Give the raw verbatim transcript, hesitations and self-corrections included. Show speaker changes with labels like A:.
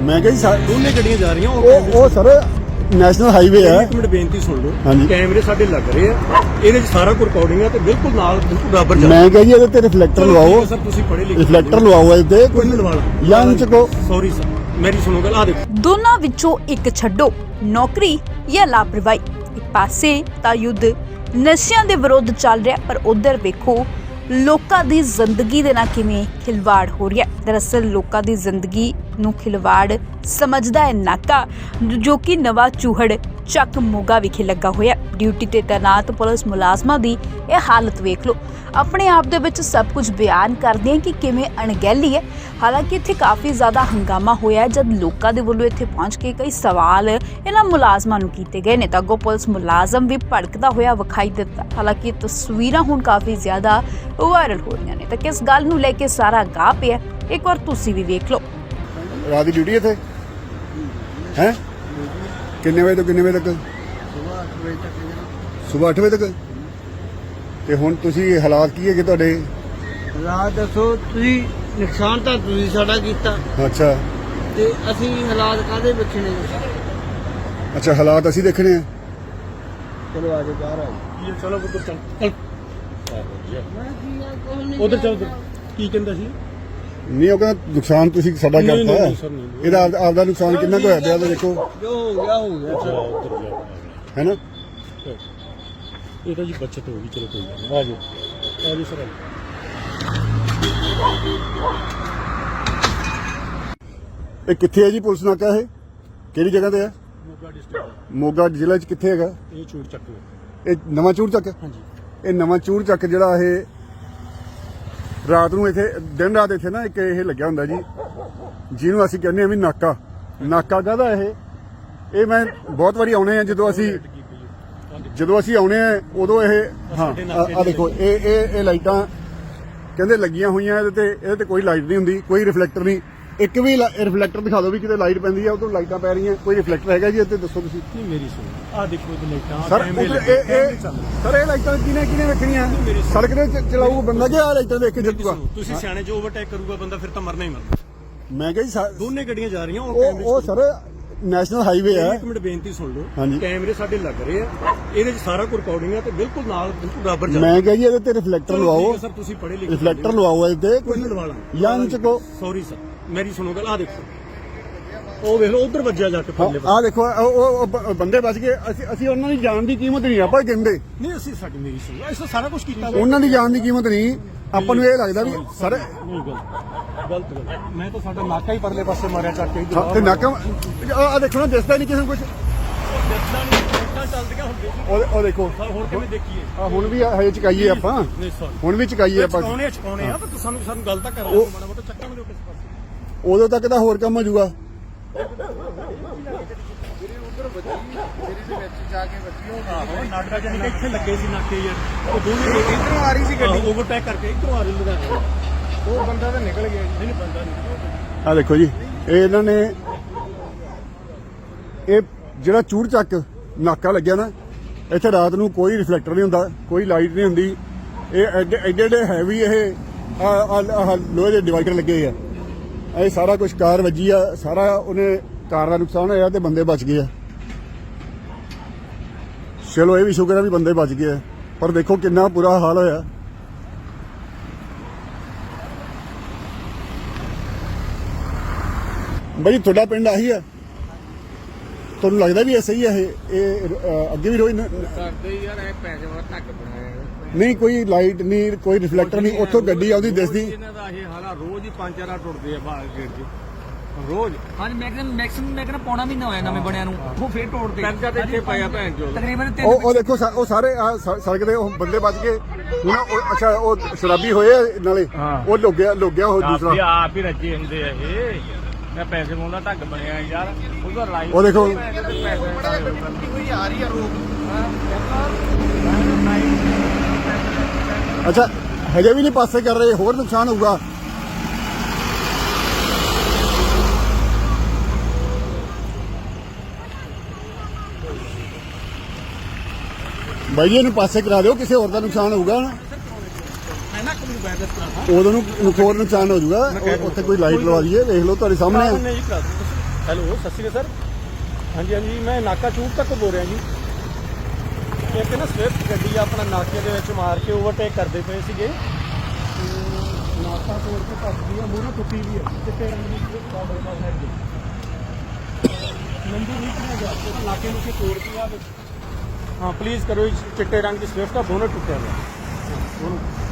A: ਮੈਂ ਕਿਹਾ ਜੀ ਸਾ-
B: ਦੋਨੇ ਗੱਡੀਆਂ ਜਾ ਰਹੀਆਂ
A: ਉਹ ਉਹ ਸਰ ਨੈਸ਼ਨਲ ਹਾਈਵੇ ਹੈ।
B: ਇੱਕ ਮਿੰਟ ਬੇਨਤੀ ਸੁਣ ਲਓ,
A: ਹਾਂਜੀ।
B: ਕੈਮਰੇ ਸਾਡੇ ਲੱਗ ਰਹੇ ਆ, ਇਹਦੇ 'ਚ ਸਾਰਾ ਕੁਝ ਰਿਕਾਰਡਿੰਗ ਆ ਤੇ ਬਿਲਕੁਲ ਨਾਲ ਬਿਲਕੁਲ ਬਰਾਬਰ ਜਾ
A: ਮੈਂ ਕਿਹਾ ਜੀ ਇਹਦੇ ਤੇ ਰਿਫਲੈਕਟਰ ਲਵਾਓ,
B: ਸਰ ਤੁਸੀਂ ਪੜ੍ਹੇ ਲਿਖੇ
A: ਰਿਫਲੈਕਟਰ ਲਵਾਓ ਇਹਦੇ
B: ਕੋਈ ਨਹੀਂ ਲਵਾ ਲਾ
A: ਜਾਂ ਚੱਕੋ।
B: ਸੌਰੀ ਸਰ, ਮੇਰੀ ਸੁਣੋ ਗੱਲ, ਆ ਦੇਖੋ
C: ਦੋਨਾਂ ਵਿੱਚੋਂ ਇੱਕ ਛੱਡੋ, ਨੌਕਰੀ ਜਾਂ ਲਾਪਰਵਾਹੀ। ਇੱਕ ਪਾਸੇ ਤਾਂ ਯੁੱਧ ਨਸ਼ਿਆਂ ਦੇ ਵਿਰੁੱਧ ਚੱਲ ਰਿਹਾ, ਪਰ ਉਧਰ ਵੇਖੋ ਲੋਕਾਂ ਦੀ ਜ਼ਿੰਦਗੀ ਦੇ ਨਾਲ ਕਿਵੇਂ ਖਿਲਵਾੜ ਹੋ ਰਿਹਾ। ਦਰਅਸਲ ਲੋਕਾਂ ਦੀ ਜ਼ਿੰਦਗੀ ਨੂੰ ਖਿਲਵਾੜ ਸਮਝਦਾ ਹੈ ਨਾਕਾ, ਜੋ ਕਿ ਨਵਾਂ ਚੂਹੜ ਚੱਕ ਮੋਗਾ ਵਿਖੇ ਲੱਗਾ ਹੋਇਆ। ਡਿਊਟੀ ਤੇ ਤੈਨਾਤ ਪੁਲਿਸ ਮੁਲਾਜ਼ਮਾਂ ਦੀ ਇਹ ਹਾਲਤ ਵੇਖ ਲਓ। ਆਪਣੇ ਆਪ ਦੇ ਵਿੱਚ ਸਭ ਕੁਝ ਬਿਆਨ ਕਰਦੇ ਆ ਕਿ ਕਿਵੇਂ ਅਣਗਹਿਲੀ ਹੈ। ਹਾਲਾਂਕਿ ਇੱਥੇ ਕਾਫੀ ਜ਼ਿਆਦਾ ਹੰਗਾਮਾ ਹੋਇਆ ਜਦ ਲੋਕਾਂ ਦੇ ਵੱਲੋਂ ਇੱਥੇ ਪਹੁੰਚ ਕੇ ਕਈ ਸਵਾਲ ਇਹਨਾਂ ਮੁਲਾਜ਼ਮਾਂ ਨੂੰ ਕੀਤੇ ਗਏ ਨੇ ਤਾਂ ਅੱਗੋਂ ਪੁਲਿਸ ਮੁਲਾਜ਼ਮ ਵੀ ਭੜਕਦਾ ਹੋਇਆ ਵਿਖਾਈ ਦਿੱਤਾ। ਹਾਲਾਂਕਿ ਇਹ ਤਸਵੀਰਾਂ ਹੁਣ ਕਾਫੀ ਜ਼ਿਆਦਾ ਵਾਇਰਲ ਹੋ ਰਹੀਆਂ ਨੇ ਤਾਂ ਕਿਸ ਗੱਲ ਨੂੰ ਲੈ ਕੇ ਸਾਰਾ ਗਾਹ ਪਿਆ, ਇੱਕ ਵਾਰ ਤੁਸੀਂ ਵੀ ਵੇਖ ਲਓ।
A: ਰਾਤ ਦੀ ਡਿਊਟੀ ਇੱਥੇ ਹੈ ਕਿੰਨੇ ਵਜੇ ਤੋਂ ਕਿੰਨੇ ਵਜੇ ਤੱਕ? ਸਵੇਰ ਅੱਠ ਵਜੇ ਤੱਕ। ਤੇ ਹੁਣ ਤੁਸੀਂ ਹਾਲਾਤ ਕੀ ਹੈਗੇ ਤੁਹਾਡੇ?
D: ਹਾਲਾਤ ਦੱਸੋ ਤੁਸੀਂ, ਨੁਕਸਾਨ ਤਾਂ ਤੁਸੀਂ ਸਾਡਾ ਕੀਤਾ
A: ਅੱਛਾ
D: ਤੇ ਅਸੀਂ ਹਾਲਾਤ ਕਾਹਦੇ ਬੱਚੇ
A: ਅੱਛਾ ਹਾਲਾਤ ਅਸੀਂ ਦੇਖਣੇ ਆ।
D: ਚਲੋ ਆਜੋ ਬਾਹਰ ਆਜੋ।
B: ਚਲੋ ਉਧਰ ਚੱਲ ਚੱਲ ਉਧਰ ਚੱਲ ਉੱਧਰ। ਕੀ ਕਹਿੰਦਾ ਸੀ?
A: ਨਹੀਂ ਉਹ ਕਹਿੰਦਾ ਨੁਕਸਾਨ ਤੁਸੀਂ ਸਾਡਾ
B: ਨਹੀਂ, ਨਹੀਂ,
A: ਕਰਤਾ
B: ਨਹੀਂ, ਸਰ, ਨਹੀਂ, ਨਹੀਂ।
A: ਇਹਦਾ ਆਪ- ਆਪਦਾ ਨੁਕਸਾਨ ਕਿੰਨਾ ਕੁ ਹੋਇਆ ਪਿਆ ਉਹਦਾ ਦੇਖੋ
D: ਜੋ ਹੋ ਗਿਆ ਹੋ ਗਿਆ।
B: ਅੱਛਾ ਉਧਰ ਜਾ,
A: ਹੈ ਨਾ।
B: ਇਹ ਤਾਂ ਜੀ ਬੱਚਤ ਹੋ ਗਈ, ਚਲੋ ਕੋਈ ਗੱਲ ਨਹੀਂ, ਆ ਜਾਓ ਆ ਜਾਓ ਸਰ।
A: ਇਹ ਕਿੱਥੇ ਹੈ ਜੀ ਪੁਲਿਸ ਨਾਕਾ? ਇਹ ਕਿਹੜੀ ਜਗ੍ਹਾ ਤੇ ਹੈ?
B: ਮੋਗਾ ਡਿਸਟ੍ਰਿਕਟ,
A: ਮੋਗਾ ਜ਼ਿਲ੍ਹੇ 'ਚ ਕਿੱਥੇ ਹੈਗਾ?
B: ਇਹ ਚੂੜ ਚੱਕ ਲਓ।
A: ਇਹ ਨਵਾਂ ਚੂੜ ਚੱਕ।
B: ਹਾਂਜੀ
A: ਇਹ ਨਵਾਂ ਚੂੜ ਚੱਕ ਜਿਹੜਾ ਇਹ ਰਾਤ ਨੂੰ ਇੱਥੇ ਦਿਨ ਰਾਤ ਇੱਥੇ ਨਾ ਇੱਕ ਇਹ ਲੱਗਿਆ ਹੁੰਦਾ ਜੀ, ਜਿਹਨੂੰ ਅਸੀਂ ਕਹਿੰਦੇ ਆ ਵੀ ਨਾਕਾ। ਨਾਕਾ ਕਾਹਦਾ ਇਹ? ਇਹ ਮੈਂ ਬਹੁਤ ਵਾਰੀ ਆਉਣੇ ਆ ਜਦੋਂ ਅਸੀਂ ਜਦੋਂ ਅਸੀਂ ਆਉਣੇ ਆ ਉਦੋਂ ਇਹ ਹਾਂ ਆ ਦੇਖੋ ਇਹ ਇਹ ਇਹ ਲਾਈਟਾਂ ਕਹਿੰਦੇ ਲੱਗੀਆਂ ਹੋਈਆਂ ਇਹਦੇ ਤੇ। ਇਹਦੇ ਤੇ ਕੋਈ ਲਾਈਟ ਨਹੀਂ ਹੁੰਦੀ, ਕੋਈ ਰਿਫਲੈਕਟਰ ਨਹੀਂ। ਇੱਕ ਵੀ ਰਿਫਲੈਕਟਰ ਦਿਖਾ ਦਿਓ ਵੀ ਕਿਤੇ ਲਾਈਟ ਪੈਂਦੀ ਆ, ਉਦੋਂ ਲਾਈਟਾਂ ਪੈ ਰਹੀਆਂ, ਕੋਈ ਰਿਫਲੈਕਟਰ ਹੈਗਾ ਜੀ ਇੱਥੇ? ਦੱਸੋ ਤੁਸੀਂ।
B: ਨਹੀਂ ਮੇਰੀ ਸੁਣੋ, ਆ ਦੇਖੋ ਇਹ ਲਾਈਟਾਂ
A: ਸਰ
B: ਕੈਮਰੇ
A: ਉੱਧਰ
B: ਲੱਗੇ,
A: ਇਹ
B: ਕੈਮਰੇ
A: ਇਹ
B: ਚੱਲ ਰਹੇ।
A: ਸਰ ਇਹ ਲਾਈਟਾਂ ਕਿਹਨੇ ਕਿਹਨੇ ਵੇਖਣੀਆਂ? ਸੜਕ ਦੇ ਚ- ਚਲਾਊ ਬੰਦਾ ਕਿ ਆ ਲਾਈਟਾਂ ਦੇਖ ਕੇ ਜਿੱਤੂਗਾ?
B: ਤੁਸੀਂ ਸਿਆਣੇ ਜੋ ਓਵਰਟੇਕ ਕਰੂਗਾ ਬੰਦਾ ਫਿਰ ਤਾਂ ਮਰਨਾ ਹੀ ਮਰਨਾ।
A: ਮੈਂ ਕਿਹਾ ਜੀ ਸਾ-
B: ਦੋਨੇ ਗੱਡੀਆਂ ਜਾ ਰਹੀਆਂ, ਉਹ
A: ਉਹ
B: ਕੈਮਰੇ
A: ਉਹ ਸਰ ਨੈਸ਼ਨਲ ਹਾਈਵੇ ਹੈ।
B: ਇੱਕ ਮਿੰਟ ਬੇਨਤੀ ਸੁਣ ਲਓ,
A: ਹਾਂਜੀ।
B: ਕੈਮਰੇ ਸਾਡੇ ਲੱਗ ਰਹੇ ਆ, ਇਹਦੇ 'ਚ ਸਾਰਾ ਕੁਝ ਰਿਕਾਰਡਿੰਗ ਆ ਤੇ ਬਿਲਕੁਲ ਨਾਲ ਬਿਲਕੁਲ ਬਰਾਬਰ ਜਾ।
A: ਮੈਂ ਕਿਹਾ ਜੀ ਇਹਦੇ ਤੇ ਰਿਫਲੈਕਟਰ ਲਵਾਓ,
B: ਸਰ ਤੁਸੀਂ ਪੜ੍ਹੇ ਲਿਖੇ
A: ਰਿਫਲੈਕਟਰ ਲਵਾਓ ਇਹਦੇ
B: ਕੋਈ ਨਹੀਂ ਲਵਾ ਲਾ
A: ਜਾਂ ਚੱਕੋ।
B: ਸੌਰੀ ਸਰ, ਮੇਰੀ ਸੁਣੋ ਗੱਲ, ਆ ਦੇਖੋ ਉਹ ਵੇਖ ਲਓ ਉਧਰ ਵੱਜਿਆ ਜਾ ਕੇ ਪਰਲੇ
A: ਆ ਦੇਖੋ ਉਹ- ਉਹ ਉਹ ਬ- ਬੰਦੇ ਬਚ ਗਏ। ਅਸੀਂ ਅਸੀਂ ਉਹਨਾਂ ਦੀ ਜਾਨ ਦੀ ਕੀਮਤ ਨਹੀਂ ਆਪਾਂ ਕਹਿੰਦੇ,
B: ਨਹੀਂ ਅਸੀਂ ਸਾਡੀ ਮੇਰੀ ਸੁਣੋ, ਇਸ ਸਾਰਾ ਕੁਝ ਕੀਤਾ
A: ਉਹਨਾਂ ਦੀ ਜਾਨ ਦੀ ਕੀਮਤ ਨਹੀਂ। ਆਪਾਂ ਨੂੰ ਇਹ ਲੱਗਦਾ ਵੀ ਸਰ
B: ਨਹੀਂ ਗਲਤ ਗਲਤ ਗੱਲ। ਮੈਂ ਤਾਂ ਸਾਡਾ ਨਾਕਾ ਹੀ ਪਰਲੇ ਪਾਸੇ ਮਾਰਿਆ ਚੱਕ ਕੇ
A: ਹਾਂ, ਤੇ ਨਾਕਾ ਆ ਦੇਖੋ ਨਾ, ਦਿਸਦਾ ਨਹੀਂ ਕਿਸੇ ਨੂੰ ਕੁਝ।
B: ਚੱਲਦੀਆਂ ਹੁੰਦੀਆਂ ਸੀ,
A: ਉਹ ਉਹ ਦੇਖੋ
B: ਹੁਣ ਕਿਵੇਂ ਦੇਖੀਏ?
A: ਆ ਹੁਣ ਵੀ ਹਜੇ ਚਕਾਈਏ ਆਪਾਂ,
B: ਨਹੀਂ ਸੌਰੀ,
A: ਹੁਣ ਵੀ ਚਕਾਈਏ ਆਪਾਂ।
B: ਚਕਾਉਣੇ ਚਕਾਉਣੇ ਆ, ਪਰ ਸਾਨੂੰ ਸਾਨੂੰ ਗੱਲ ਤਾਂ ਕਰਾ ਦਿਓ ਮਾੜਾ ਮੋਟਾ, ਚੱਕਾਂ ਮੈਨੂੰ ਕਿਸੇ ਪਾਸੇ।
A: ਉਦੋਂ ਤੱਕ ਤਾਂ ਹੋਰ ਕੰਮ ਹੋ ਜਾਊਗਾ।
B: ਆਹੋ ਨਾਟਕਾ ਜਾਨੀ ਕਿ ਇੱਥੇ ਲੱਗੇ ਸੀ ਨਾਕੇ ਯਾਰ, ਉਹ ਦੋਨੇ ਇਧਰੋਂ ਆ ਰਹੀ ਸੀ ਗੱਡੀ, ਓਵਰਟੇਕ ਕਰਕੇ ਇਧਰੋਂ ਆ ਰਹੀ ਲੁਧਿਆਣੇ। ਉਹ ਬੰਦਾ ਤਾਂ ਨਿਕਲ ਗਿਆ ਜੀ। ਨਹੀਂ ਬੰਦਾ ਨਹੀਂ।
A: ਆ ਦੇਖੋ ਜੀ ਇਹ ਇਹਨਾਂ ਨੇ ਇਹ ਜਿਹੜਾ ਚੂੜ ਚੱਕ ਨਾਕਾ ਲੱਗਿਆ ਨਾ, ਇੱਥੇ ਰਾਤ ਨੂੰ ਕੋਈ ਰਿਫਲੈਕਟਰ ਨਹੀਂ ਹੁੰਦਾ, ਕੋਈ ਲਾਈਟ ਨਹੀਂ ਹੁੰਦੀ। ਇਹ ਐਡੇ ਐਡੇ ਐਡੇ ਹੈਵੀ ਇਹ ਆਹ ਲੋਹੇ ਦੇ ਡਿਵਾਈਡਰ ਲੱਗੇ ਆ। ਇਹ ਸਾਰਾ ਕੁਝ ਕਾਰ ਵੱਜੀ ਆ, ਸਾਰਾ ਉਹਨੇ ਕਾਰ ਦਾ ਨੁਕਸਾਨ ਹੋਇਆ ਤੇ ਬੰਦੇ ਬਚ ਗਏ ਆ। ਚਲੋ ਇਹ ਵੀ ਸ਼ੁਕਰ ਹੈ ਵੀ ਬੰਦੇ ਬਚ ਗਏ ਆ, ਪਰ ਦੇਖੋ ਕਿੰਨਾ ਬੁਰਾ ਹਾਲ ਹੋਇਆ। ਬਾਈ ਤੁਹਾਡਾ ਪਿੰਡ ਆਹੀ ਆ? ਤੁਹਾਨੂੰ ਲੱਗਦਾ ਵੀ ਇਹ ਸਹੀ ਹੈ? ਇਹ ਇਹ ਅ, ਅੱਗੇ ਵੀ ਰੋਜ਼ ਨ-
D: ਕਰਦੇ ਯਾਰ ਐ ਪੈਸੇ ਵਾਲਾ ਧੱਕ ਬਣਾਇਆ
A: ਨਹੀਂ ਕੋਈ ਲਾਈਟ ਨਹੀਂ, ਕੋਈ ਰਿਫਲੈਕਟਰ ਨਹੀਂ, ਉੱਥੋਂ ਗੱਡੀ ਆਉਂਦੀ ਦਿਸਦੀ।
D: ਇਹਨਾਂ ਦਾ ਇਹ ਹਾਲਾ ਰੋਜ਼ ਹੀ ਪੰਜ ਚਾਰ ਟੁੱਟਦੇ ਆ ਬਾਹਰ ਗੇਟ 'ਚ ਰੋਜ਼।
E: ਹਾਂਜੀ ਮੈਕਸਿਮਮ ਮੈਕਸਿਮਮ ਮੈਂ ਕਹਿੰਦਾ ਪੌਣਾ ਮਹੀਨਾ ਹੋਇਆ ਨਵੇਂ ਬਣਿਆ ਨੂੰ, ਉਹ ਫੇਰ ਤੋੜਦੇ
D: ਪੈਂਦਾ ਤੇ ਇੱਥੇ ਪਾਇਆ ਭੈਣ ਚੋਦ।
E: ਤਕਰੀਬਨ ਤਿੰਨ
A: ਉਹ ਉਹ ਦੇਖੋ ਸਾ- ਉਹ ਸਾਰੇ ਆਹ ਸ- ਸੜਕ ਦੇ ਉਹ ਬੰਦੇ ਬਚ ਗਏ। ਹੁਣ ਉਹ ਅੱਛਾ ਉਹ ਸ਼ਰਾਬੀ ਹੋਏ ਆ ਨਾਲੇ, ਉਹ ਲੁੱਗਿਆ ਲੁੱਗਿਆ ਉਹ ਦੂਸਰਾ।
D: ਆਪ ਹੀ ਰੱਜੇ ਹੁੰਦੇ ਆ ਇਹ। ਮੈਂ ਪੈਸੇ ਮੋਂਦਾ ਢੱਕ ਬਣਿਆ ਯਾਰ, ਉਹਦਾ ਲਾਈਵ
A: ਉਹ ਦੇਖੋ ਅੱਛਾ ਹਜੇ ਵੀ ਨਹੀਂ ਪਾਸੇ ਕਰ ਰਹੇ, ਹੋਰ ਨੁਕਸਾਨ ਹੋਊਗਾ। ਬਾਈ ਜੀ ਇਹਨੂੰ ਪਾਸੇ ਕਰਾ ਦਿਓ, ਕਿਸੇ ਹੋਰ ਦਾ ਨੁਕਸਾਨ ਹੋਊਗਾ ਨਾ,
B: ਮੈਂ ਨਾ ਕੋਈ ਬੈਲੈਂਸ ਕਰਾ
A: ਉਦੋਂ ਨੂੰ ਹੋਰ ਨੁਕਸਾਨ ਹੋ ਜਾਊਗਾ। ਉਹ- ਉੱਥੇ ਕੋਈ ਲਾਈਟ ਲਵਾ ਦਈਏ, ਵੇਖ ਲਓ ਤੁਹਾਡੇ ਸਾਹਮਣੇ ਆ।
B: ਨਹੀਂ ਕਰਾ ਦਿਓ। ਹੈਲੋ ਸਤਿ ਸ਼੍ਰੀ ਅਕਾਲ ਸਰ। ਹਾਂਜੀ ਹਾਂਜੀ ਮੈਂ ਨਾਕਾ ਚੂਕ ਤੱਕ ਬੋਲ ਰਿਹਾ ਜੀ। ਇੱਕ ਨਾ ਸਵਿਫਟ ਗੱਡੀ ਆਪਣਾ ਨਾਕੇ ਦੇ ਵਿੱਚ ਮਾਰ ਕੇ ਓਵਰਟੇਕ ਕਰਦੇ ਪਏ ਸੀਗੇ ਤੇ ਨਾਕਾ ਤੋੜ ਕੇ ਭੱਜ ਗਈ ਆ, ਮੂਹਰੇ ਟੁੱਟੀ ਵੀ ਹੈ ਚਿੱਟੇ ਰੰਗ ਦੀ ਸਵਿਫਟ ਬਾਰਡਰ ਪਾਸ ਹੈ ਜੀ। ਨੰਬਰ ਨਹੀਂ ਕਿਹਾ ਗਿਆ ਤੇ ਨਾਕੇ ਨੂੰ ਕੇ ਤੋੜ ਕੇ ਆ। ਹਾਂ ਪਲੀਜ਼ ਕਰੋ, ਚਿੱਟੇ ਰੰਗ ਦੀ ਸਵਿਫਟ ਦਾ ਬੋਨਟ ਟੁੱਟਿਆ ਹੋਇਆ।